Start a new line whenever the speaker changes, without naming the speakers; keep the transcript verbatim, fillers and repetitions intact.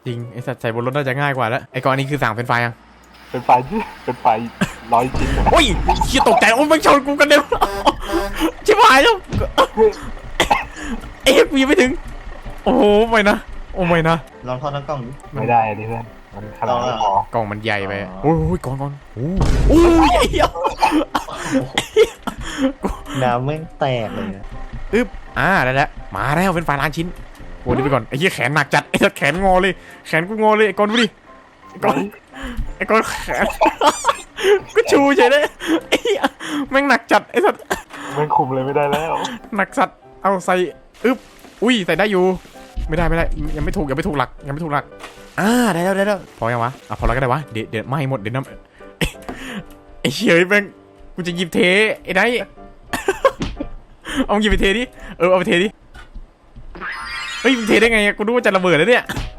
จริงไอ้สัตว์ใส่บนรถน่าจะง่ายกว่าแล้วไอ้กรณีคือสั่งเป็นไฟยัง
เป็นไฟเป็นไฟร้อยชิ้น
โอ้ยเชี่ยตกใจโอ้ยมันชนกูกันเด็นชิบหายแล้วเอ๊ะกูยังไม่ถึงโอ้โหไม่นะโอ้ไม่นะ
ลองทอดทั้งกล้องดิ
ไม่ได้ดิเพื่อนมันขนาดไม่พอก
ล่องมันใหญ่ไปโอ้ยก่อนก่อนโอ้โอ้ยไอ้เหี้ย
น้ำแม่งแตกเลยนะ
อึ๊บอ่าได้แล้วมาแล้วเป็นไฟล้านชิ้นโอ้ยนี่ไปก่อนไอ้เหี้ยแขนหนักจัดไอ้สัตว์แขนงอเลยแขนกูงอเลยไอ้กอนดูดิไอ้กอนไอ้กอนแขนก็ชูเฉยเลยไอ้เหี้ยแม่งหนักจัดไอ้สัตว์
มันคุมเลยไม่ได้แล้ว
หนักสัตว์เอาใส่อึ๊บอุ้ยใส่ได้อยู่ไม่ได้ไม่ได้ยังไม่ถูกยังไม่ถูกหลักยังไม่ถูกหลักอ่าได้แล้วได้แล้วพอยังวะอ่ะพอแล้วก็ได้วะเดี๋ยวเดี๋ยวไม่หมดเดี๋ยวน้ำไอ้เฉยแม่งกูจะหยิบเทไอ้ไนท์เอาหยิบไปเทดิเออเอาไปเทดิเฮ้ยมึงเทได้ไงกูรู้ว่าจะระเบิดแล้วเนี่ย